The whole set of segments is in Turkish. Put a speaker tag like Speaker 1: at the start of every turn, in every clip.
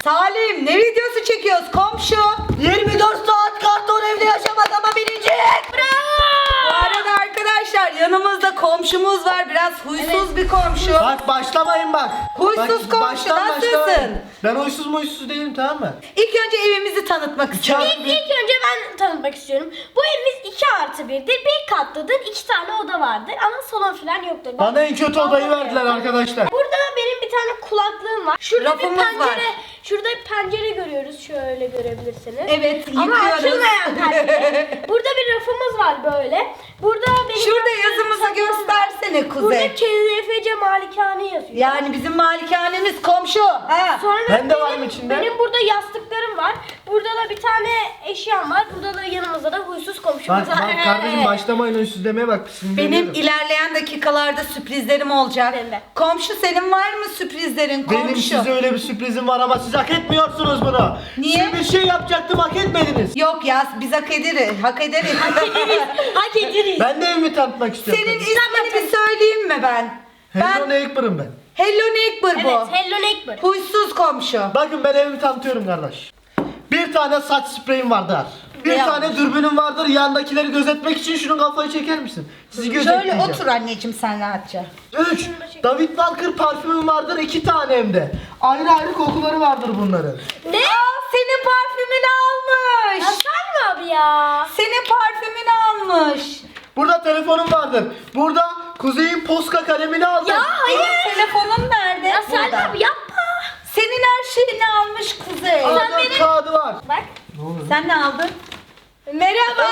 Speaker 1: Salim ne videosu çekiyoruz komşu?
Speaker 2: 24 saat karton evde yaşamak ama birinci.
Speaker 1: Bu arada arkadaşlar yanımızda komşumuz var. Biraz huysuz bir komşu.
Speaker 2: Bak başlamayın bak.
Speaker 1: Huysuz komşu, nasılsın?
Speaker 2: Ben huysuz değilim, tamam mı?
Speaker 1: İlk önce evimizi tanıtmak istiyorum.
Speaker 3: İlk önce ben tanıtmak istiyorum. Bu evimiz 2+1'dir. Bir katlıdır. 2 tane oda vardır. Ama salon falan yoktur.
Speaker 2: Bana en kötü odayı verdiler arkadaşlar.
Speaker 3: Burada benim bir tane kulaklığım var. Şurada
Speaker 1: Rafımız
Speaker 3: bir pencere,
Speaker 1: var.
Speaker 3: şurada bir pencere görüyoruz. Şöyle görebilirsiniz.
Speaker 1: Evet,
Speaker 3: Ama
Speaker 1: yıkıyoruz.
Speaker 3: açılmayan pencere. Burada bir rafımız var böyle. Burada benim
Speaker 1: Şurada
Speaker 3: yaptığım
Speaker 1: yazımızı
Speaker 3: saklı var.
Speaker 1: göstersene Kuzey.
Speaker 3: Burada KZFC Malikane yazıyor.
Speaker 1: Yani bizim malikanemiz komşu. Ha.
Speaker 3: Sonra
Speaker 2: Ben de varım içinde.
Speaker 3: Benim burada yastıklarım var. Burada da bir tane eşyam var. Burada da yanımızda da huysuz komşumuz
Speaker 2: Bak
Speaker 3: var.
Speaker 2: kardeşim başlamayın huysuz demeye bak.
Speaker 1: Benim ilerleyen dakikalarda sürprizlerim olacak.
Speaker 3: Benim de.
Speaker 1: Komşu senin var mı sürprizlerin komşu?
Speaker 2: Benim size öyle bir sürprizim var ama siz hak etmiyorsunuz bunu.
Speaker 1: Niye?
Speaker 2: Size bir şey yapacaktım, hak etmediniz.
Speaker 1: Yok ya biz hak ederiz. Hak ederiz.
Speaker 3: Hak ederiz.
Speaker 2: Ben de evimi tanıtmak istiyorum.
Speaker 1: Senin ismini bir söyleyeyim mi ben?
Speaker 2: Hello
Speaker 1: Ben
Speaker 2: Neighbor'ım ben.
Speaker 1: Hello Neighbor bu.
Speaker 3: Evet, Hello Neighbor.
Speaker 1: Huysuz komşu.
Speaker 2: Bakın ben evimi tanıtıyorum kardeş. Bir tane saç spreyim vardır. Bir
Speaker 1: Ne
Speaker 2: tane
Speaker 1: yapmış?
Speaker 2: dürbünüm vardır. Yandakileri gözetmek için şunun kafayı çeker misin? Sizi
Speaker 1: Şöyle
Speaker 2: gözetleyeceğim.
Speaker 1: otur anneciğim sen rahatça.
Speaker 2: 3. David Walker parfümüm vardır. 2 tane hem de. Ayrı ayrı kokuları vardır bunların.
Speaker 3: Ne?
Speaker 1: Aa, senin parfümünü almış.
Speaker 3: Hasan abi ya.
Speaker 1: Senin parfümünü almış.
Speaker 2: Burada telefonum vardır. Burada Kuzey'in Posca kalemini aldım.
Speaker 3: Ya hayır.
Speaker 1: Senin telefonun nerede?
Speaker 3: Ya Salim
Speaker 1: Burada.
Speaker 3: abi yapma.
Speaker 1: Senin her şeyini almış Kuzey.
Speaker 2: A4
Speaker 3: benim-
Speaker 2: kağıdı var.
Speaker 3: Bak.
Speaker 2: Ne oluyor?
Speaker 1: Sen ne aldın? Merhaba.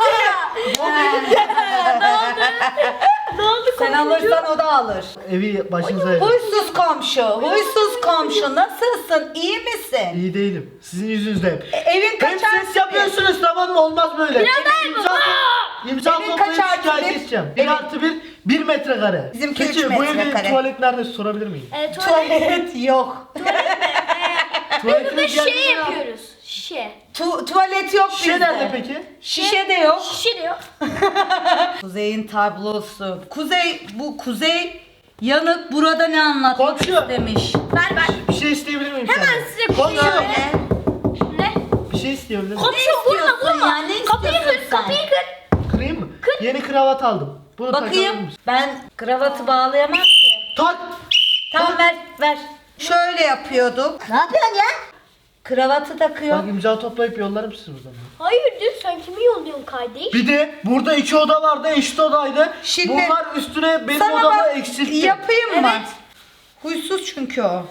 Speaker 3: Ne oldu
Speaker 1: Sen alırsan o da alır.
Speaker 2: Evi başınıza verin.
Speaker 1: Huysuz komşu, huysuz komşu nasılsın? İyi misin?
Speaker 2: İyi değilim. Sizin yüzünüzden.
Speaker 1: Evin
Speaker 2: Hem
Speaker 1: kaç
Speaker 2: ses yapıyorsunuz, tamam mı? Olmaz böyle.
Speaker 3: Biraz daha
Speaker 2: İmza
Speaker 1: Evin
Speaker 2: toplayıp
Speaker 1: kaç artı
Speaker 2: şikayet
Speaker 1: bir?
Speaker 2: edeceğim. 1 artı 1, 1 metrekare.
Speaker 1: Bizimki
Speaker 2: Peki
Speaker 1: üç
Speaker 2: bu
Speaker 1: metrekare.
Speaker 2: evin tuvalet nerede sorabilir miyim?
Speaker 3: Tuvalet.
Speaker 1: Tuvalet yok.
Speaker 2: Tuvaletiniz
Speaker 3: Burada
Speaker 2: geldi
Speaker 3: şey
Speaker 2: mi?
Speaker 3: yapıyoruz. Şişe.
Speaker 1: Tuvalet yok
Speaker 2: Şişe
Speaker 1: bizde.
Speaker 2: nerede peki?
Speaker 1: Şişe de yok.
Speaker 3: Şişe diyor.
Speaker 1: Kuzey'in tablosu. Kuzey yanık burada ne anlatmak
Speaker 2: Komşu.
Speaker 1: istemiş?
Speaker 3: Ver.
Speaker 2: Bir şey isteyebilir miyim
Speaker 3: Hemen
Speaker 2: senden?
Speaker 3: size bir şey
Speaker 2: Komşu.
Speaker 3: söyle. Ne?
Speaker 2: Bir şey isteyebilir miyim?
Speaker 3: Komşum vurma
Speaker 1: istiyorsun
Speaker 3: vurma.
Speaker 1: ya? Ne
Speaker 3: Kapıyı
Speaker 1: istiyorsun
Speaker 3: kır
Speaker 1: sen?
Speaker 3: kapıyı kır.
Speaker 2: Kırayım mı? Yeni kravat aldım. Bunu takabilir
Speaker 1: Bakayım.
Speaker 2: misin?
Speaker 1: Ben kravatı bağlayamam ki.
Speaker 2: Tak!
Speaker 1: Tamam ver. Şöyle yapıyorduk.
Speaker 3: Ne yapıyorsun ya?
Speaker 1: Kravatı takıyor.
Speaker 2: Bak imza toplayıp yollarım sizi buradan.
Speaker 3: Hayırdır sen kimi yolluyorsun kardeş?
Speaker 2: Bir de burada 2 oda vardı, eşit odaydı.
Speaker 1: Şimdi-
Speaker 2: Bunlar üstüne benim
Speaker 1: Sana
Speaker 2: odamı
Speaker 1: bak
Speaker 2: eksiltti.
Speaker 1: yapayım mı?
Speaker 3: Evet.
Speaker 1: Huysuz çünkü o.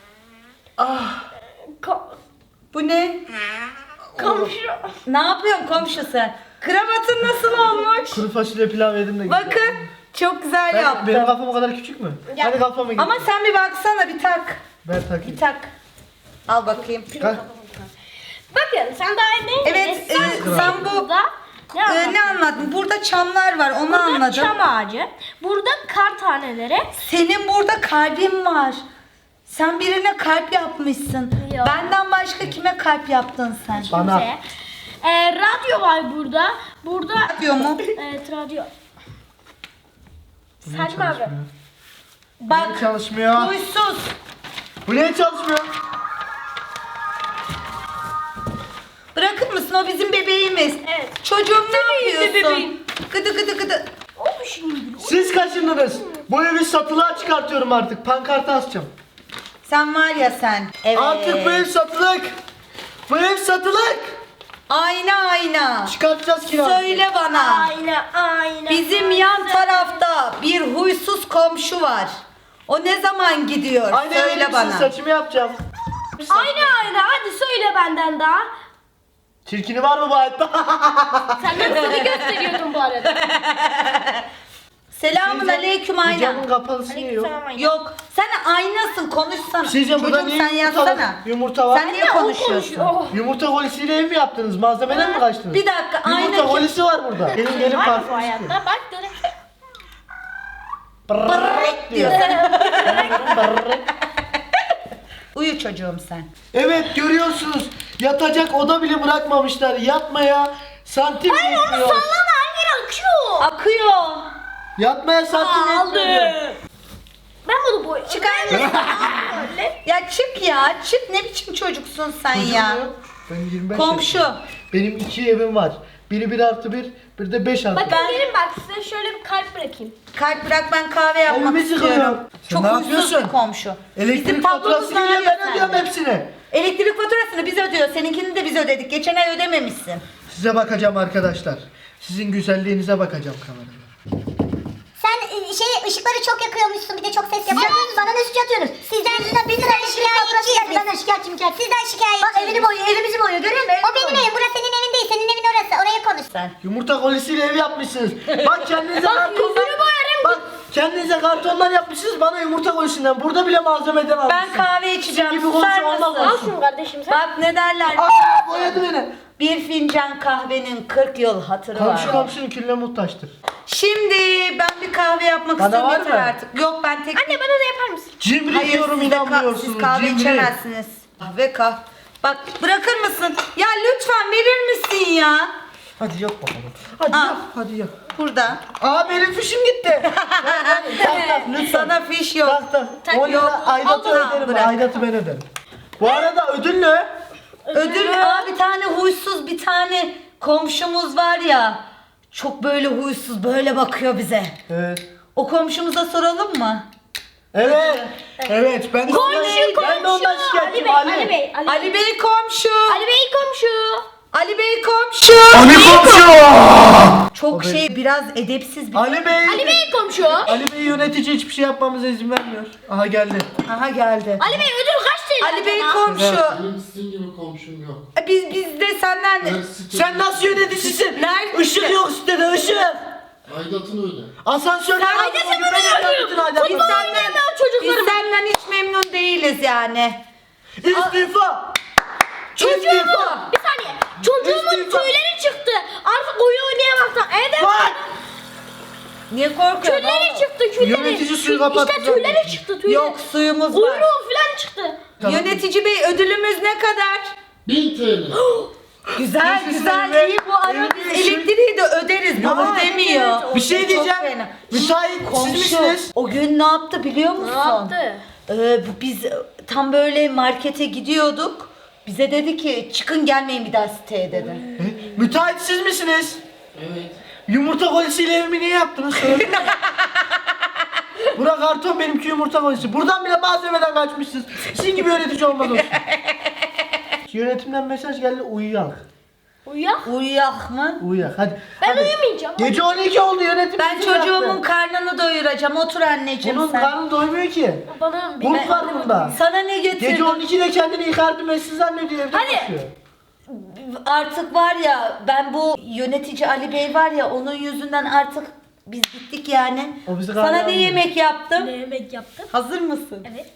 Speaker 3: Ka-
Speaker 1: Bu ne?
Speaker 3: komşu.
Speaker 1: Ne yapıyorsun komşu sen? Kravatın nasıl olmuş?
Speaker 2: Kuru fasulye pilav yedim de güzel.
Speaker 1: Bakın çok güzel
Speaker 2: Benim
Speaker 1: yaptım.
Speaker 2: kafam o kadar küçük mü?
Speaker 3: Ya.
Speaker 2: Hadi kafama git.
Speaker 1: Ama sen bir baksana bir tak.
Speaker 2: Ben takayım.
Speaker 1: Bir tak. Al bakayım.
Speaker 2: Kalk.
Speaker 3: Bakın sen daha ne?
Speaker 1: Evet,
Speaker 3: Sen
Speaker 1: sen bu
Speaker 3: burada ne
Speaker 1: ne anladın? Burada çamlar var onu
Speaker 3: Burada
Speaker 1: anladım.
Speaker 3: çam ağacı. Burada kar taneleri.
Speaker 1: Senin burada kalbin var. Sen birine kalp yapmışsın.
Speaker 3: Yok.
Speaker 1: Benden başka kime kalp yaptın sen?
Speaker 2: Bana.
Speaker 3: Bize. Radyo var burada. Burada
Speaker 1: Diyor mu?
Speaker 3: evet radyo.
Speaker 2: Bu niye
Speaker 3: Salim abi.
Speaker 2: çalışmıyor?
Speaker 1: Bak
Speaker 2: Niye çalışmıyor?
Speaker 1: huysuz.
Speaker 2: Bu niye çalışmıyor?
Speaker 1: Bırakır mısın o bizim bebeğimiz.
Speaker 3: Evet.
Speaker 1: Çocuğum ne yapıyorsun?
Speaker 3: bebeğim.
Speaker 1: Gıdı gıdı.
Speaker 3: Olmuş şimdi.
Speaker 2: Siz kaçındınız. Bu evi satılığa çıkartıyorum artık. Pankarta asacağım.
Speaker 1: Sen var ya sen. Evet.
Speaker 2: Artık bu ev satılık. Bu ev satılık.
Speaker 1: Ayna.
Speaker 2: Çıkartacağız kiralık.
Speaker 1: Söyle bana.
Speaker 3: Aynen.
Speaker 1: Bizim yan tarafta bir huysuz komşu var. O ne zaman gidiyor?
Speaker 2: Aynı
Speaker 1: Söyle
Speaker 2: evin
Speaker 1: bana.
Speaker 2: saçımı yapacağım.
Speaker 3: Aynen. Hadi söyle benden daha.
Speaker 2: Çirkini var mı bu hayatta?
Speaker 3: Sen de seni gösteriyordun bu arada.
Speaker 1: Selamun aleyküm
Speaker 2: Bu
Speaker 1: ayna.
Speaker 2: camın kapalısı niye yok?
Speaker 3: Aleykümselam aynen.
Speaker 1: Yok. Sen aynasın konuşsana.
Speaker 2: Bir şey diyeceğim, burada
Speaker 1: Çocuğum
Speaker 2: niye
Speaker 1: sen
Speaker 2: yumurta var?
Speaker 1: yazsana.
Speaker 2: Yumurta var.
Speaker 1: Sen niye
Speaker 3: Ya, o
Speaker 1: konuşuyorsun?
Speaker 3: konuşuyor. Oh.
Speaker 2: Yumurta kolisiyle ev mi yaptınız? Malzemeden mi kaçtınız?
Speaker 1: Bir dakika, ayna
Speaker 2: Yumurta
Speaker 1: kim?
Speaker 2: kolisi var burada. Gelin
Speaker 3: Var mı bu
Speaker 2: parfüm istiyor.
Speaker 3: hayatta? Bak direkt.
Speaker 1: Brrrr diyor.
Speaker 2: Brrrr.
Speaker 1: Uyu çocuğum sen.
Speaker 2: Evet görüyorsunuz. Yatacak oda bile bırakmamışlar. Yatmaya santim yetmiyor.
Speaker 3: Sallama her yer akıyor.
Speaker 1: Akıyor.
Speaker 2: Yatmaya santim yetmiyor.
Speaker 3: Ben bunu boy.
Speaker 1: Çıkar mısın? Ya çık ya. Çık, ne biçim çocuksun sen ya.
Speaker 2: Çocuğum yok. Ben 25
Speaker 1: Komşu.
Speaker 2: yaşındayım. Benim 2 evim var. Biri 1+1, biri de 5+1.
Speaker 3: Bakın gelin bak size şöyle bir kalp bırakayım.
Speaker 1: Kalp bırak, ben kahve yapmak
Speaker 2: Evimiz yıkılıyor.
Speaker 1: istiyorum.
Speaker 2: Sen
Speaker 1: Çok
Speaker 2: ne
Speaker 1: huysuz
Speaker 2: yapıyorsun?
Speaker 1: bir komşu.
Speaker 2: Elektrik
Speaker 1: Bizim
Speaker 2: faturası
Speaker 1: tablomuz
Speaker 2: geliyor,
Speaker 1: var ya
Speaker 2: ben ödüyorum
Speaker 1: sende.
Speaker 2: hepsini.
Speaker 1: Elektrik faturasını biz ödüyoruz. Seninkini de biz ödedik. Geçen ay ödememişsin.
Speaker 2: Size bakacağım arkadaşlar. Sizin güzelliğinize bakacağım kamerada.
Speaker 4: Sen ışıkları çok yakıyormuşsun, bir de çok ses yapıyorsun. Bana ne suç atıyorsunuz? Sizden şikayetçiyiz. Ben de şikayetçiyim. Sizden şikayetçiyim. Bak evini boyuyor, evimizi boyuyor. Görüyor musun? O benim evim. Burası senin evin değil. Senin evin orası. Oraya konuş.
Speaker 1: Sen.
Speaker 2: Yumurta kolisiyle ev yapmışsınız. Bak kendinize
Speaker 3: Bak,
Speaker 2: kartonlar.
Speaker 3: yüzünü boyarım.
Speaker 2: Bak kendinize kartonlar yapmışsınız, bana yumurta kolisinden. Burada bile malzemeden almışsınız.
Speaker 1: Ben kahve içeceğim.
Speaker 2: Gibi
Speaker 1: Susar
Speaker 2: komşu olmaz
Speaker 1: mısın?
Speaker 3: Al şunu kardeşim sen.
Speaker 1: Bak ne derler?
Speaker 2: Aa, boyadı beni.
Speaker 1: Bir fincan kahvenin 40 yıl hatırı
Speaker 2: Komşu
Speaker 1: var.
Speaker 2: komşunun külüne muhtaçtır.
Speaker 1: Şimdi ben bir kahve yapmak
Speaker 2: Bana
Speaker 1: istiyorum,
Speaker 2: var
Speaker 1: yeter
Speaker 2: mı?
Speaker 1: artık. Yok, ben tek...
Speaker 3: Anne bana da yapar mısın?
Speaker 2: Cimri
Speaker 1: Hayır,
Speaker 2: diyorum,
Speaker 1: siz de
Speaker 2: inanmıyorsunuz.
Speaker 1: siz kahve
Speaker 2: Cimri.
Speaker 1: içemezsiniz. Kahve Bak bırakır mısın? Ya lütfen verir misin ya?
Speaker 2: Hadi yap bakalım. Hadi
Speaker 1: Al.
Speaker 2: yap, hadi yap.
Speaker 1: Burada.
Speaker 2: Aa, benim fişim gitti. Lütfen.
Speaker 1: Sana fiş yok.
Speaker 2: Tak tak.
Speaker 3: Tak,
Speaker 2: 10 lira
Speaker 1: yok.
Speaker 2: aidatı
Speaker 1: Al,
Speaker 2: öderim.
Speaker 1: bırak.
Speaker 2: Aidatı ben öderim. Bu arada ödül ne?
Speaker 1: Ödül bir tane huysuz bir tane komşumuz var ya. Çok böyle huysuz, böyle bakıyor bize.
Speaker 2: Evet.
Speaker 1: O komşumuza soralım mı?
Speaker 2: Evet. Evet. Ben de ondan şikayetçiyim Ali.
Speaker 3: Ali Bey.
Speaker 1: Ali Bey komşu.
Speaker 3: Ali Bey komşu.
Speaker 1: Ali Bey komşu.
Speaker 2: Ali komşu.
Speaker 1: Çok
Speaker 2: O benim.
Speaker 1: şey, biraz edepsiz bir...
Speaker 2: Ali Bey.
Speaker 3: Ali Bey komşu.
Speaker 2: Ali Bey yönetici hiçbir şey yapmamıza izin vermiyor. Aha geldi.
Speaker 1: Aha geldi.
Speaker 3: Ali Bey ödül kaç TL?
Speaker 1: Ali Bey
Speaker 3: acaba?
Speaker 1: komşu.
Speaker 5: Benim sizin gibi komşum yok.
Speaker 1: Biz de senden...
Speaker 2: Sen nasıl yöneticisin?
Speaker 1: Nerede?
Speaker 2: Işık yok sitede, ışık.
Speaker 5: Aidatını öde.
Speaker 2: Asansör
Speaker 3: Ayda sen bana ödüyorsun.
Speaker 1: Biz
Speaker 3: Çocuklarım.
Speaker 1: senden hiç memnun değiliz yani.
Speaker 2: İstifa.
Speaker 3: Çocuğumu.
Speaker 2: İstifa.
Speaker 3: Bir saniye. Çocuğumun
Speaker 2: İstifa.
Speaker 3: tüyleri çıktı. Artık oyun oynayamaktan. Evde
Speaker 2: Bak.
Speaker 1: Niye korkuyorsun?
Speaker 3: tüyleri çıktı. Tüyleri.
Speaker 2: Yönetici suyu kapattı
Speaker 3: İşte tüyleri
Speaker 2: zaten.
Speaker 3: çıktı. Tüyleri.
Speaker 1: Yok, suyumuz var.
Speaker 3: Kuyruğu falan çıktı.
Speaker 2: Tamam.
Speaker 1: Yönetici bey, ödülümüz ne kadar?
Speaker 5: 1000 TL.
Speaker 1: Güzel
Speaker 2: Neyse,
Speaker 1: güzel,
Speaker 2: sen
Speaker 1: iyi bu ara
Speaker 2: evet,
Speaker 1: biz elektriği de öderiz.
Speaker 2: Ya,
Speaker 1: Bunu demiyor.
Speaker 2: Bir şey
Speaker 1: Çok
Speaker 2: diyeceğim.
Speaker 1: fena.
Speaker 2: Müsait siz
Speaker 1: Komşu
Speaker 2: misiniz?
Speaker 1: o gün ne yaptı biliyor musun?
Speaker 3: Ne yaptı?
Speaker 1: Biz tam böyle markete gidiyorduk. Bize dedi ki çıkın, gelmeyin bir daha siteye dedi.
Speaker 2: Müteahhit siz misiniz?
Speaker 5: Evet.
Speaker 2: Yumurta kolisiyle evimi niye yaptınız? Söyleyin. Burak karton, benimki yumurta kolisi. Buradan bile malzemeden kaçmışsınız. Sizin gibi yönetici olmaz olsun. Yönetimden mesaj geldi, uyuyak.
Speaker 3: Uyan.
Speaker 1: Uyuyak mı?
Speaker 2: Uyuyak hadi.
Speaker 3: Ben
Speaker 2: hadi.
Speaker 3: uyumayacağım.
Speaker 2: Gece 12 oldu, yönetim.
Speaker 1: Ben
Speaker 2: bizi
Speaker 1: çocuğumun
Speaker 2: bıraktı.
Speaker 1: karnını doyuracağım. Otur anneciğim
Speaker 2: Bunun
Speaker 1: sen.
Speaker 2: karnı doymuyor ki.
Speaker 3: Bana bir
Speaker 2: Bunun karnında.
Speaker 1: Sana ne getirdim?
Speaker 2: Gece 12'de kendini yıkardı, mesleği zannediyor, evde
Speaker 3: Hadi.
Speaker 2: yaşıyor.
Speaker 1: Artık var ya, ben bu yönetici Ali Bey var ya, onun yüzünden artık biz gittik yani.
Speaker 2: O bizi
Speaker 1: Sana
Speaker 2: kahve
Speaker 1: ne
Speaker 2: almıyor.
Speaker 1: yemek yaptım?
Speaker 3: Ne yemek yaptın?
Speaker 1: Hazır mısın?
Speaker 3: Evet.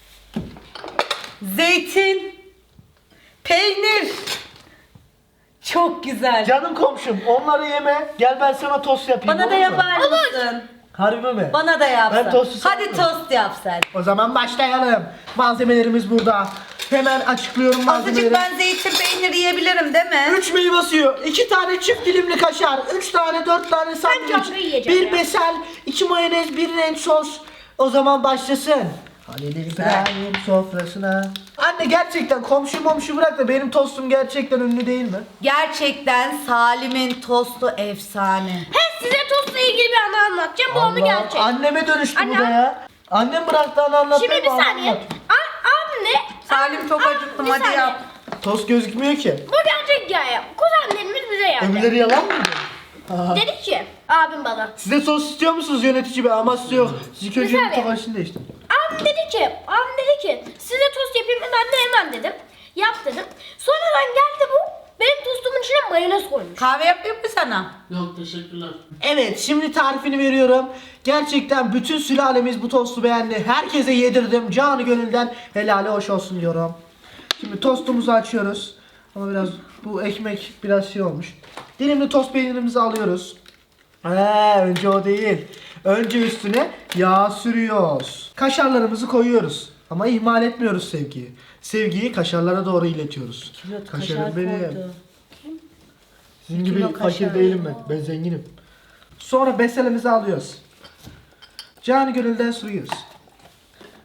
Speaker 1: Zeytin, peynir. Çok güzel.
Speaker 2: Canım komşum, onları yeme. Gel ben sana tost yapayım.
Speaker 1: Bana da
Speaker 2: olur mu?
Speaker 1: yapar mısın?
Speaker 2: Harbi mi?
Speaker 1: Bana da yap
Speaker 2: Ben
Speaker 1: sen.
Speaker 2: tostu
Speaker 1: Hadi
Speaker 2: sevmiyorum.
Speaker 1: tost yap sen.
Speaker 2: O zaman başlayalım. Malzemelerimiz burada. Hemen açıklıyorum malzemeleri.
Speaker 1: Azıcık ben zeytin peyniri yiyebilirim değil mi?
Speaker 2: 3 meyve suyu, 2 tane çift dilimli kaşar, 3 tane 4 tane
Speaker 3: canlı
Speaker 2: sandviç,
Speaker 3: yiyeceğim
Speaker 2: 1
Speaker 3: ya.
Speaker 2: besel, 2 mayonez, 1 renk sos. O zaman başlasın. Halil İbrahim sofrasına. Anne gerçekten komşu bırak da benim tostum gerçekten ünlü değil mi?
Speaker 1: Gerçekten Salim'in tostu efsane.
Speaker 3: He size tostla ilgili bir anı anlatacağım. Bu onu gerçek.
Speaker 2: Anneme dönüştü bu
Speaker 3: Anne.
Speaker 2: da ya. Annem bıraktı anı anlatmayı.
Speaker 3: Şimdi bir
Speaker 2: bana
Speaker 3: saniye.
Speaker 2: anlat.
Speaker 3: Anne.
Speaker 1: Salim çok acıktım,
Speaker 3: bir
Speaker 1: hadi
Speaker 3: saniye.
Speaker 1: yap.
Speaker 2: Tost gözükmüyor ki.
Speaker 3: Bu gerçek hikaye. Kuzenlerimiz bize geldi.
Speaker 2: Öbürleri yalan mıydı? Aha.
Speaker 3: Dedi ki abim bana.
Speaker 2: Size sos istiyor musunuz yönetici bey? Ama size yok. Siz ilk önce
Speaker 3: Güzel
Speaker 2: yumurta
Speaker 3: ya.
Speaker 2: karışını değiştirin.
Speaker 3: Abim dedi ki size tost yapayım mı? Ben de hemen dedim. Yap dedim. Sonradan geldi bu. Benim tostumun içine mayonez koymuş.
Speaker 1: Kahve yapayım mı sana?
Speaker 5: Yok teşekkürler.
Speaker 2: Evet, şimdi tarifini veriyorum. Gerçekten bütün sülalemiz bu tostu beğendi. Herkese yedirdim. Canı gönülden helali hoş olsun diyorum. Şimdi tostumuzu açıyoruz. Ama biraz bu ekmek biraz şey olmuş. Dilimli tost peynirimizi alıyoruz. Önce o değil. Önce üstüne yağ sürüyoruz. Kaşarlarımızı koyuyoruz. Ama ihmal etmiyoruz sevgiyi. Sevgiyi kaşarlara doğru iletiyoruz. Kaşarım benim. Sizin gibi
Speaker 1: kilo
Speaker 2: fakir
Speaker 1: kaşar.
Speaker 2: değilim ben. Ben zenginim. Sonra beselimizi alıyoruz. Canı gönülden sürüyoruz.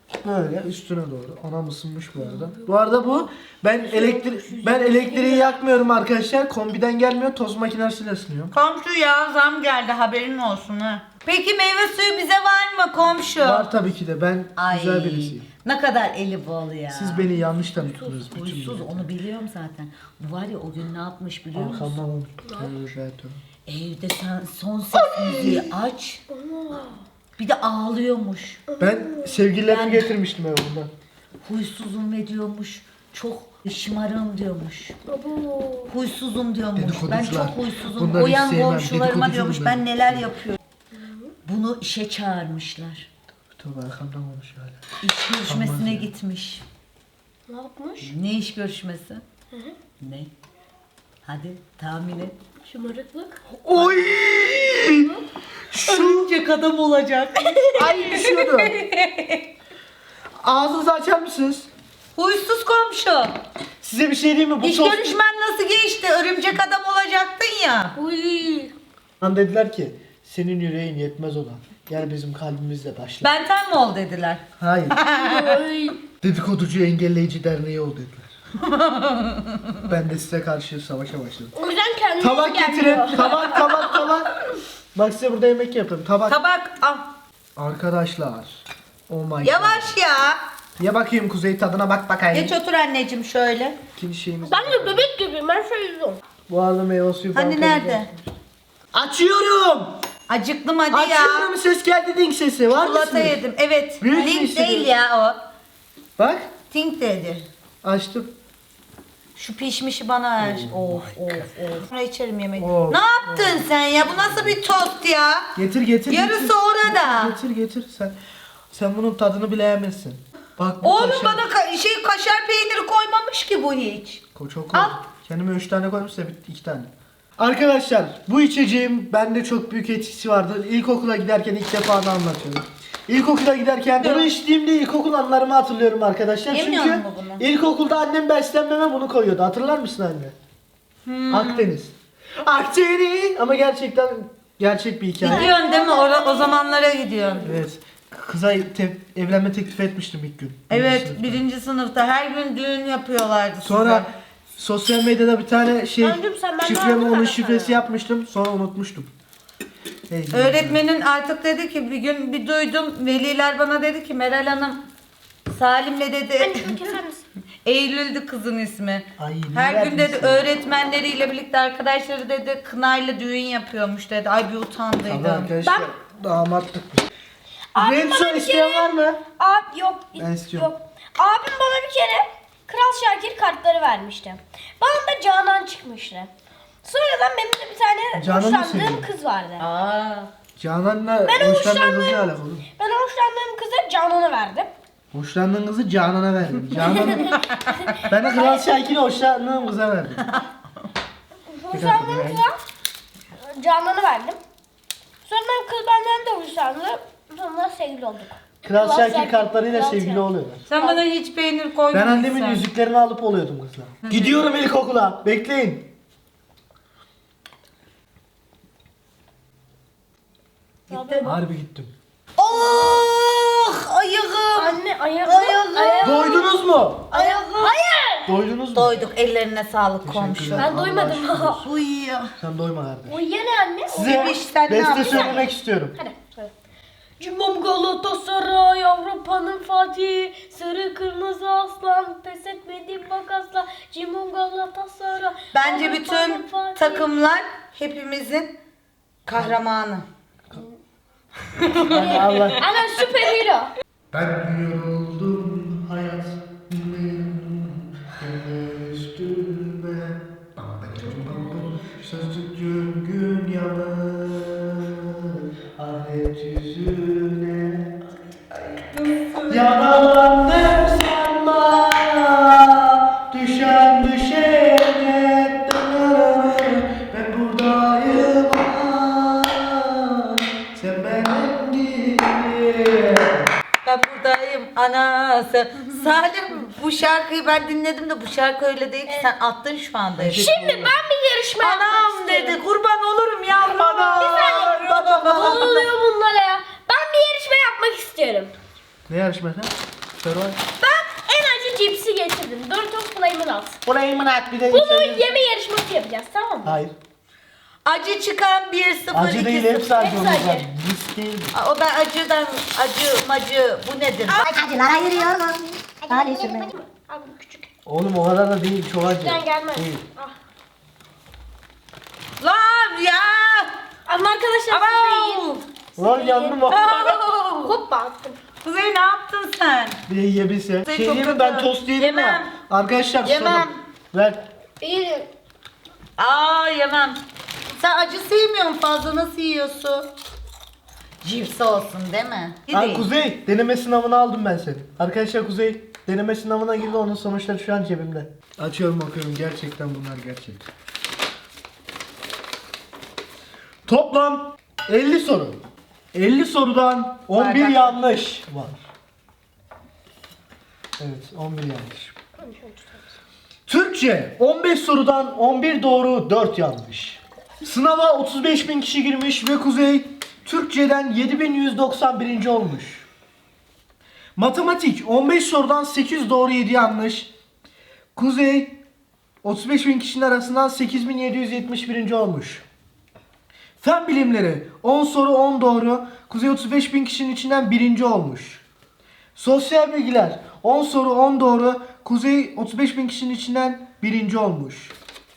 Speaker 2: Böyle üstüne doğru. Anam ısınmış bu arada. Bu arada ben elektriği yakmıyorum arkadaşlar. Kombiden gelmiyor. Tost makinesiyle ısınıyor.
Speaker 1: Komşu ya zam geldi haberin olsun ha. Peki meyve suyu bize var mı komşu?
Speaker 2: Var tabii ki de. Ben
Speaker 1: Ay,
Speaker 2: güzel birisiyim.
Speaker 1: ne kadar eli bol ya.
Speaker 2: Siz beni yanlış tanıttınız. bütün
Speaker 1: Huysuz
Speaker 2: millete.
Speaker 1: onu biliyorum zaten. Bu var ya o gün ne yapmış biliyor musun?
Speaker 2: Arkamdan oldu. Tövbe tövbe.
Speaker 1: Evde sen son ses müziği aç. Bir de ağlıyormuş.
Speaker 2: Ben sevgililerimi
Speaker 1: Ben-
Speaker 2: getirmiştim eve bundan.
Speaker 1: Huysuzum ve diyormuş. Çok şımarım diyormuş.
Speaker 3: Abo.
Speaker 1: Huysuzum diyormuş. Ben
Speaker 2: Dedikoducular.
Speaker 1: çok huysuzum.
Speaker 2: Bunları hiç
Speaker 1: Uyan
Speaker 2: sevmem.
Speaker 1: komşularıma
Speaker 2: Dedikoducu
Speaker 1: diyormuş
Speaker 2: bunlar.
Speaker 1: ben neler yapıyorum. Bunu işe çağırmışlar.
Speaker 2: Tövbe arkamdan konuşuyor hala.
Speaker 1: İş görüşmesine gitmiş.
Speaker 3: Ne yapmış?
Speaker 1: Ne iş görüşmesi? Ne? Hadi tahmin et.
Speaker 3: Şımarıklık.
Speaker 2: Oy!
Speaker 1: Örümcek adam olacak.
Speaker 2: Ay düşüyordu. Ağzınızı açar mısınız?
Speaker 1: Huysuz komşu.
Speaker 2: Size bir şey diyeyim mi? Bu
Speaker 1: İş
Speaker 2: tost...
Speaker 1: görüşmen nasıl geçti? Örümcek adam olacaktın ya.
Speaker 3: Uy.
Speaker 2: Lan dediler ki senin yüreğin yetmez ona. Gel bizim kalbimizle başla.
Speaker 1: Benten mi ol dediler.
Speaker 2: Hayır.
Speaker 3: Ay.
Speaker 2: Dedikoducu Engelleyici Derneği ol dediler. Ben de size karşı savaşa başladım.
Speaker 3: O yüzden kendine
Speaker 2: Tabak
Speaker 3: gelmiyor.
Speaker 2: getirin. Tabak. Bak size burada yemek yapayım. Tabak.
Speaker 1: Tabak al.
Speaker 2: Arkadaşlar. Oh my god.
Speaker 1: Yavaş ya.
Speaker 2: Ya bakayım Kuzey tadına bak bakayım.
Speaker 1: Geç otur anneciğim şöyle.
Speaker 2: İkinci şeyimiz.
Speaker 3: Ben de bebek gibiyim. Ben şöyle yüzüyorum.
Speaker 2: Bu arada meyve suyu falan.
Speaker 1: Hani nerede?
Speaker 2: Açıyorum.
Speaker 1: Acıktım hadi ya.
Speaker 2: Açıyorum, ses geldi, ding sesi. Var
Speaker 1: Çikolata
Speaker 2: mısınız?
Speaker 1: yedim. Evet.
Speaker 2: Büyük
Speaker 1: Tink
Speaker 2: mü
Speaker 1: değil
Speaker 2: hissediyorsun?
Speaker 1: ya o.
Speaker 2: Bak
Speaker 1: Tink dedi.
Speaker 2: açtım.
Speaker 1: Şu pişmişi bana ver. Of. Sonra içerim yemeği.
Speaker 2: Of.
Speaker 1: Ne yaptın sen ya? Bu nasıl bir tost ya?
Speaker 2: Getir.
Speaker 1: Yarısı
Speaker 2: getir.
Speaker 1: orada.
Speaker 2: Getir. Sen bunun tadını bilemezsin. Bak bu
Speaker 1: Oğlum
Speaker 2: kaşar-
Speaker 1: bana kaşar peyniri koymamış ki bu hiç.
Speaker 2: Çok
Speaker 1: Al.
Speaker 2: koy. Kendime 3 tane koymuşsa 2 tane. Arkadaşlar bu içeceğim bende çok büyük etkisi vardı. İlkokula giderken ilk defa da anlatıyorum. İlkokula giderken bunu içtiğimde ilkokul anılarımı hatırlıyorum arkadaşlar.
Speaker 1: Yemiyor
Speaker 2: Çünkü
Speaker 1: mu bunu?
Speaker 2: ilkokulda annem beslenmeme bunu koyuyordu. Hatırlar mısın anne? Akdeniz. Akdeniz. Ama gerçekten gerçek bir hikaye.
Speaker 1: Gidiyorsun değil mi? O zamanlara gidiyorsun.
Speaker 2: Evet. Kıza evlenme teklif etmiştim ilk gün.
Speaker 1: Evet,
Speaker 2: Sınıfta.
Speaker 1: birinci sınıfta her gün düğün yapıyorlardı
Speaker 2: Sonra sosyal medyada bir tane şey
Speaker 3: Öncüm sen benden
Speaker 2: şifremi
Speaker 3: aldın
Speaker 2: onun
Speaker 3: mı?
Speaker 2: şifresi yapmıştım. Sonra unutmuştum. Neyse.
Speaker 1: öğretmenin artık dedi ki bir gün bir duydum veliler bana dedi ki Meral Hanım Salim'le dedi
Speaker 3: Anne şunu keser misin?
Speaker 1: Eylül'dü kızın ismi.
Speaker 2: Ay,
Speaker 1: Her
Speaker 2: neler
Speaker 1: gün dedi
Speaker 2: misin?
Speaker 1: öğretmenleriyle birlikte arkadaşları dedi kınayla düğün yapıyormuş dedi. Ay bir
Speaker 2: Ama
Speaker 1: utandıydım.
Speaker 2: arkadaşlar damatlık bu.
Speaker 3: Abi
Speaker 2: Red
Speaker 3: bana
Speaker 2: Soy
Speaker 3: bir
Speaker 2: isteyen
Speaker 3: kere-
Speaker 2: var mı?
Speaker 3: Abi yok.
Speaker 2: Ben istiyorum.
Speaker 3: Yok. Abim bana bir kere Kral Şakir kartları vermişti. Bana da Canan çıkmıştı. Sonradan benim de bir tane
Speaker 2: Canan mı
Speaker 3: hoşlandığım
Speaker 2: seviyor?
Speaker 3: kız vardı.
Speaker 1: Aa.
Speaker 2: Canan'la
Speaker 3: Ben
Speaker 2: hoşlandığın kızı ne
Speaker 3: hoşlandığım-
Speaker 2: alakalı?
Speaker 3: Ben hoşlandığım kıza Canan'ı verdim.
Speaker 2: Hoşlandığın kızı Canan'a verdim. Ben de Kral Şakir'e hoşlandığım kıza verdim.
Speaker 3: Hoşlandığım
Speaker 2: yani.
Speaker 3: kıza Canan'ı verdim. Sonra kız benden de hoşlandı. Sonra sevgili olduk.
Speaker 2: Kral
Speaker 3: Kral
Speaker 2: Şakir
Speaker 3: Şakir,
Speaker 2: kartlarıyla
Speaker 3: Kral
Speaker 2: sevgili
Speaker 3: Şakir.
Speaker 2: oluyorlar.
Speaker 1: Sen bana hiç peynir koymadın.
Speaker 2: Ben annemin yüzüklerini alıp oluyordum kızla. Gidiyorum ilkokula. Bekleyin.
Speaker 1: Gittin.
Speaker 2: Harbi gittim.
Speaker 1: Oh ayağım.
Speaker 3: Anne ayağım.
Speaker 1: Ayağım.
Speaker 2: Doydunuz mu?
Speaker 3: Ayağım. Hayır.
Speaker 2: Doydunuz mu?
Speaker 1: Doyduk ellerine sağlık komşu.
Speaker 2: Teşekkürler.
Speaker 3: Ben doymadım.
Speaker 2: Allah aşkına.
Speaker 1: Uyuyor.
Speaker 2: Sen doyma kardeş.
Speaker 3: O yine anne.
Speaker 2: Size
Speaker 1: Bebiş, sen ne
Speaker 2: beste
Speaker 1: yapıyorsun?
Speaker 2: söylemek istiyorum.
Speaker 3: Hadi söyle. Cimom Galatasaray, Avrupa'nın Fatih, sarı kırmızı aslan, pes etmedim bak asla. Cimom Galatasaray.
Speaker 1: Bence
Speaker 3: Avrupa'nın
Speaker 1: bütün
Speaker 3: Fatih.
Speaker 1: takımlar hepimizin kahramanı.
Speaker 2: Allah.
Speaker 3: Ana süper hero.
Speaker 2: Ben yoruldum hayat. Gel üstüme. Sözcüğün gün yalan. Ahiret yüzüne. Yaralandım sanma. Düşen düşene. Ben buradayım. Sen benim gibi.
Speaker 1: Ben buradayım anası. Salim bu şarkıyı ben dinledim de bu şarkı öyle değil ki sen attın şu anda.
Speaker 3: Şimdi ben bir yarışma yapmak
Speaker 1: Anam
Speaker 3: istiyorum.
Speaker 1: dedi kurban olurum yavrum.
Speaker 3: Ne oluyor bunlara ya? Ben bir yarışma yapmak istiyorum.
Speaker 2: Ne yarışması? Survive.
Speaker 3: Ben en acı cipsi getirdim. Doritos Flamin' Hot.
Speaker 2: Burayı mı at bir de
Speaker 3: Bunu yeme yarışması yapacağız, tamam mı?
Speaker 2: Hayır.
Speaker 1: Acı çıkan 1-0
Speaker 2: Acı değil, hepsi acı
Speaker 3: Hepsi
Speaker 2: olacak.
Speaker 3: acı.
Speaker 2: Risk değil.
Speaker 1: O ben acı macı bu nedir?
Speaker 4: Acılara yürüyoruz. Hadi sürme.
Speaker 3: Abi bu küçük.
Speaker 2: Oğlum o kadar da değil, çok acı.
Speaker 3: Küçükten gelmez.
Speaker 2: Değil.
Speaker 3: Ah.
Speaker 1: Lan ya!
Speaker 3: Ama arkadaşlar siz de yiyin.
Speaker 2: Lan yandım bak.
Speaker 3: Hoppa attım.
Speaker 1: Kuzey ne yaptın sen?
Speaker 2: Bir de yiyebilse.
Speaker 1: Kuzey
Speaker 2: Şey
Speaker 1: çok
Speaker 2: diyeyim mi,
Speaker 1: kötü.
Speaker 2: ben tost yedim ya.
Speaker 1: Yemem.
Speaker 2: Arkadaşlar
Speaker 1: Yemem.
Speaker 2: susalım. Ver.
Speaker 3: İyi.
Speaker 1: Aa yemem. Sen acı sevmiyorsun fazla, nasıl yiyorsun? Cips olsun değil mi?
Speaker 2: Ha,
Speaker 1: Değil.
Speaker 2: Kuzey, deneme sınavını aldım ben seni. Arkadaşlar Kuzey deneme sınavına girdi, onun sonuçları şu an cebimde. Açıyorum, bakıyorum, gerçekten bunlar gerçek. Toplam 50 soru. 50 sorudan 11
Speaker 1: Bardak.
Speaker 2: yanlış var. Evet, 11 yanlış. Türkçe 15 sorudan 11 doğru, 4 yanlış. Sınava 35.000 kişi girmiş ve Kuzey Türkçeden 7191. olmuş. Matematik 15 sorudan 8 doğru, 7 yanlış. Kuzey 35.000 kişinin arasından 8771. olmuş. Fen bilimleri 10 soru 10 doğru. Kuzey 35.000 kişinin içinden 1. olmuş. Sosyal bilgiler 10 soru 10 doğru. Kuzey 35.000 kişinin içinden 1. olmuş.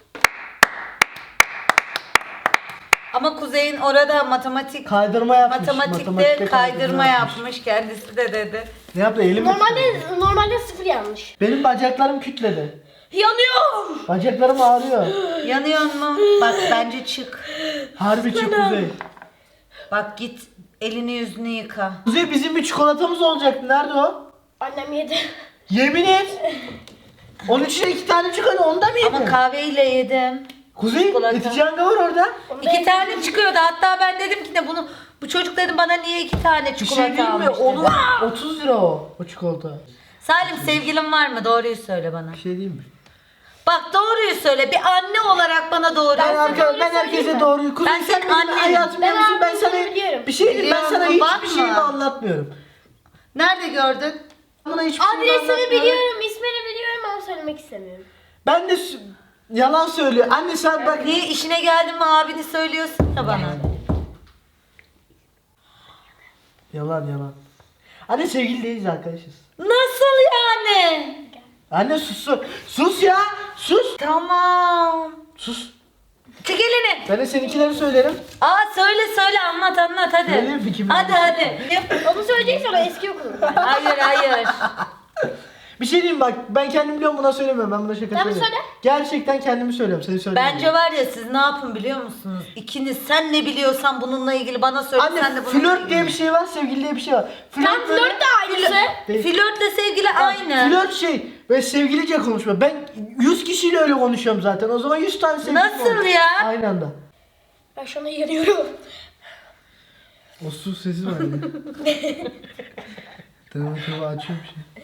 Speaker 1: Ama Kuzey'in orada matematik
Speaker 2: Kaydırma yapmış.
Speaker 1: matematikte
Speaker 2: Matematikte
Speaker 1: kaydırma yapmış kendisi de dedi.
Speaker 2: Ne yaptı? Elim mi?
Speaker 3: Normalde 0 yanlış.
Speaker 2: Benim bacaklarım kütledi.
Speaker 3: Yanıyor.
Speaker 2: Bacaklarım ağrıyor.
Speaker 1: Yanıyor mu? Bak bence çık.
Speaker 2: Harbi çık Kuzey.
Speaker 1: Bak git elini yüzünü yıka.
Speaker 2: Kuzey, bizim bir çikolatamız olacaktı. Nerede o?
Speaker 3: Annem yedi.
Speaker 2: Yemin et. Onun içine 2 tane çikolata, onu da mı yedin?
Speaker 1: Ama kahveyle yedim.
Speaker 2: Kuzey,
Speaker 1: çikolata.
Speaker 2: Eticanga var orada.
Speaker 1: 2 tane çıkıyordu. Hatta ben dedim ki de bu çocuk dedim bana niye 2 tane
Speaker 2: Bir
Speaker 1: çikolata
Speaker 2: şey değil mi?
Speaker 1: almış
Speaker 2: Onun
Speaker 1: dedim.
Speaker 2: 30 lira o çikolata.
Speaker 1: Salim sevgilin var mı? Doğruyu söyle bana.
Speaker 2: Bir şey değil mi?
Speaker 1: Bak doğruyu söyle. Bir anne olarak bana doğruyu
Speaker 2: Ben herkese doğruyu. Kuzey,
Speaker 1: Ben
Speaker 2: sen
Speaker 1: senin
Speaker 2: benim
Speaker 1: annenim.
Speaker 2: hayatımı
Speaker 3: Ben
Speaker 2: biliyorsun. Ben
Speaker 3: abimi
Speaker 2: sana
Speaker 3: biliyorum.
Speaker 2: bir şey diyeyim. Ben sana
Speaker 1: Biliyorum,
Speaker 2: hiçbir
Speaker 1: bakma.
Speaker 2: şeyimi anlatmıyorum.
Speaker 1: Nerede gördün?
Speaker 2: Bana hiçbir şeyimi
Speaker 3: Adresini
Speaker 2: anlatmıyorum.
Speaker 3: biliyorum, ismini biliyorum ama söylemek istemiyorum.
Speaker 2: Ben de yalan söylüyor. Anne sen bak.
Speaker 1: Niye işine geldin mi abini söylüyorsun ya bana?
Speaker 2: Yalan. Anne, sevgili değiliz, arkadaşız.
Speaker 1: Nasıl yani?
Speaker 2: Anne sus. Sus ya. Sus.
Speaker 1: Tamam.
Speaker 2: Sus.
Speaker 1: Çek elini.
Speaker 2: Ben de seninkileri söylerim.
Speaker 1: Aa söyle anlat hadi.
Speaker 2: Söyle, fikrimi
Speaker 1: Hadi.
Speaker 3: Onu söyleyeceksen o eski okulum.
Speaker 1: Hayır.
Speaker 2: Bir şey diyeyim bak, ben kendim biliyorum, buna söylemiyorum. Ben buna şaka
Speaker 3: Tamam,
Speaker 2: söylüyorum.
Speaker 3: söyle.
Speaker 2: Gerçekten kendimi söylüyorum. Seni söylemiyorum.
Speaker 1: Bence var ya siz ne yapın biliyor musunuz? İkiniz sen ne biliyorsan bununla ilgili bana söyle sen de
Speaker 2: Anne,
Speaker 1: bununla
Speaker 2: flört
Speaker 1: ilgili.
Speaker 2: diye bir şey var, sevgili diye bir şey var.
Speaker 3: Tam
Speaker 2: böyle-
Speaker 3: flört de aynısı.
Speaker 2: Değil.
Speaker 1: Flörtle sevgili aynı.
Speaker 2: Flört şey ve sevgilice konuşma. Ben 100 kişiyle öyle konuşuyorum zaten. O zaman 100 tane sevgilim
Speaker 1: Nasıl
Speaker 2: olur.
Speaker 1: ya?
Speaker 2: Aynı anda.
Speaker 3: Ben şu anda yanıyorum.
Speaker 2: O su sesi var ya. Tamam açıyorum şey.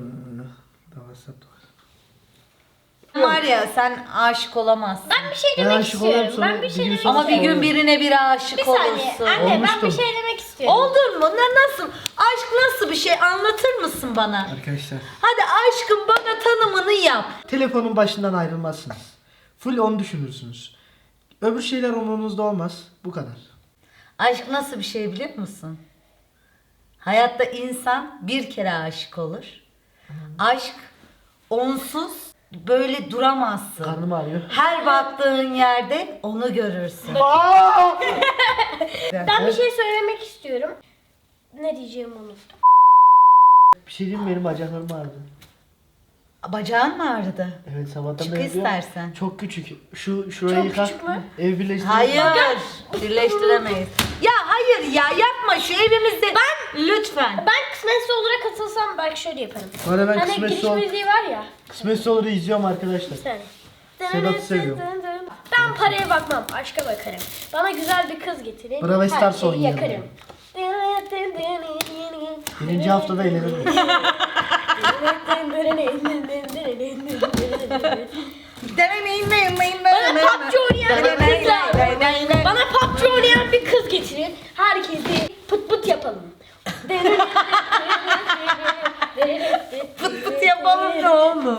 Speaker 1: Var ya sen aşık olamazsın.
Speaker 3: Ben bir şey
Speaker 2: Ben
Speaker 3: demek
Speaker 2: aşık olurum,
Speaker 3: istiyorum.
Speaker 2: sonra
Speaker 3: Ben bir şey
Speaker 2: bir gün
Speaker 3: demek
Speaker 2: sonra-
Speaker 1: Ama bir gün birine biri aşık
Speaker 3: Bir saniye.
Speaker 1: olursun.
Speaker 3: Anne ben
Speaker 2: Olmuştum.
Speaker 3: bir şey demek istiyorum.
Speaker 1: Oldun mu? Nasıl? Aşk nasıl bir şey? Anlatır mısın bana?
Speaker 2: Arkadaşlar.
Speaker 1: Hadi aşkın bana tanımını yap.
Speaker 2: Telefonun başından ayrılmazsınız. Full onu düşünürsünüz. Öbür şeyler umurunuzda olmaz. Bu kadar.
Speaker 1: Aşk nasıl bir şey biliyor musun? Hayatta insan bir kere aşık olur. Aşk onsuz böyle duramazsın.
Speaker 2: Karnım ağrıyor.
Speaker 1: Her baktığın yerde onu görürsün.
Speaker 3: Ben bir şey söylemek istiyorum. Ne diyeceğimi unuttum.
Speaker 2: Bir şey diyeyim mi? Benim bacaklarım ağrıdı.
Speaker 1: Bacağın mı ağrıdı?
Speaker 2: Evet, sabahtan
Speaker 1: Çık
Speaker 2: beri diyorum.
Speaker 1: istersen.
Speaker 2: Çok küçük. Şurayı
Speaker 3: Çok
Speaker 2: yıka.
Speaker 3: küçük mü?
Speaker 2: Ev birleştirelim.
Speaker 1: Hayır. Birleştiremeyiz. Ya hayır ya yapma şu evimizde. Lütfen.
Speaker 3: Ben kısmetse olur'a katılsam belki şöyle yaparım.
Speaker 2: Bu arada ben
Speaker 3: Hani
Speaker 2: kısmetse
Speaker 3: giriş müziği var ya.
Speaker 2: Kısmetse olur izliyorum arkadaşlar.
Speaker 3: Yani.
Speaker 2: Sedat'ı seviyorum.
Speaker 3: Ben paraya bakmam, aşka bakarım. Bana güzel bir kız getirin.
Speaker 2: Bravo
Speaker 3: her
Speaker 2: Stars
Speaker 3: şeyi
Speaker 2: oynayalım.
Speaker 3: yakarım.
Speaker 2: Birinci haftada eğlenirim.
Speaker 3: Bana PUBG oynayan bir kız lazım. Bana PUBG oynayan bir kız getirin. Herkesi pıt pıt yapalım.
Speaker 1: mu?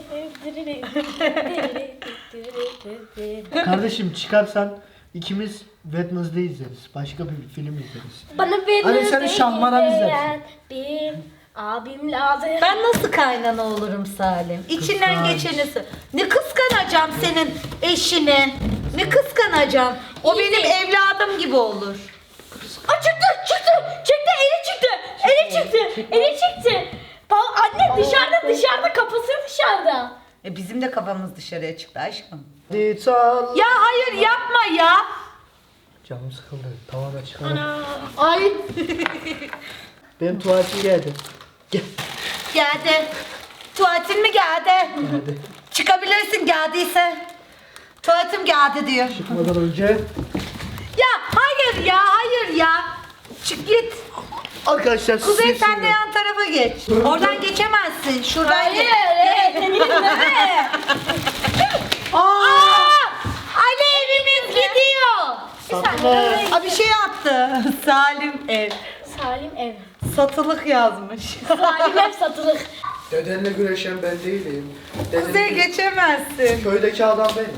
Speaker 2: Kardeşim çıkarsan ikimiz Wednesday izleriz. Başka bir film izleriz.
Speaker 3: Bana bir
Speaker 2: Hani sen Şahmaran izlersin.
Speaker 3: Bir abim lazım.
Speaker 1: Ben nasıl kaynana olurum Salim? İçinden
Speaker 2: Kıskanç.
Speaker 1: geçeni ne kıskanacağım senin eşini? Ne kıskanacağım? O benim evladım gibi olur.
Speaker 3: Aa, çıktı. Eli çıktı. Anne dışarıda kafası dışarıda.
Speaker 1: Bizim de kafamız dışarıya çıktı aşkım.
Speaker 2: It's all...
Speaker 1: Ya hayır yapma ya.
Speaker 2: Canım sıkıldı. Tamamen çıkarım.
Speaker 3: Ay.
Speaker 2: Benim tuvaletim geldi. Gel.
Speaker 1: Geldi. Tuvaletin mi geldi?
Speaker 2: Geldi.
Speaker 1: Çıkabilirsin geldiyse. Tuvaletim geldi diyor.
Speaker 2: Çıkmadan önce
Speaker 1: Ya hayır ya. Çık git.
Speaker 2: arkadaşlar
Speaker 1: Kuzey
Speaker 2: size
Speaker 1: sen de yan tarafa geç. Oradan geçemezsin. Şuradan geç. Aa! Ali evimiz gidiyor.
Speaker 2: Satma.
Speaker 1: Aa, bir şey attı. Salim ev.
Speaker 3: Salim ev.
Speaker 1: Satılık yazmış.
Speaker 3: Salim ev satılık.
Speaker 2: Dedenle güreşen ben değilim.
Speaker 1: Kuzey geçemezsin.
Speaker 2: Köydeki adam benim.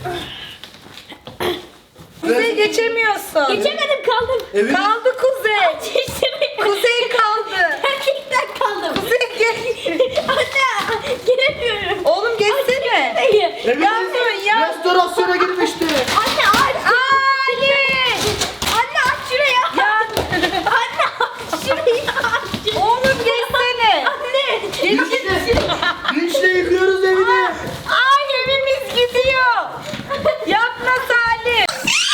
Speaker 1: Kuzey geçemiyorsun.
Speaker 3: Geçemedim kaldım.
Speaker 2: Evin
Speaker 1: Kaldı Kuzey.
Speaker 3: Geçemedim.
Speaker 1: Kuzey kaldı.
Speaker 3: Gerçekten kaldım.
Speaker 1: Kuzey geç.
Speaker 3: Anne gelemiyorum.
Speaker 1: Oğlum geçsene.
Speaker 2: evimiz
Speaker 1: Yapmayın ya.
Speaker 2: restorasyona gitmişti.
Speaker 3: Anne aç.
Speaker 1: Ali.
Speaker 3: Anne aç şurayı.
Speaker 1: Ya
Speaker 3: Anne aç şurayı aç.
Speaker 1: oğlum geçsene.
Speaker 3: Anne.
Speaker 2: Vinçle yıkıyoruz evini.
Speaker 1: Ay evimiz gidiyor. Yapma Salim.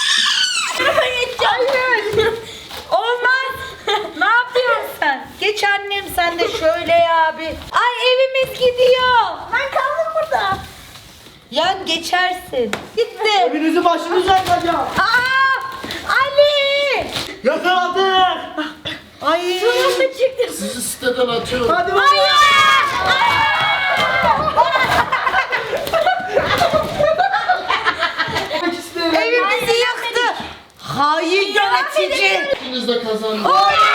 Speaker 1: Hayır. Olmaz. Ne yapıyorsun sen? Geç annem sen de şöyle ya bir. Ay evimiz gidiyor.
Speaker 3: Ben kaldım burada.
Speaker 1: Yan geçersin. Gitti.
Speaker 2: Evinizi başınıza yakacağım.
Speaker 1: Aa! Ali!
Speaker 2: Yakaladık.
Speaker 1: Ay!
Speaker 3: Sonunda çıktım.
Speaker 5: Sizi siteden atıyorum.
Speaker 2: Hadi bakalım.
Speaker 1: Evimizi yaktı. Hain yönetici.
Speaker 5: İkiniz de kazandınız.
Speaker 1: Oley!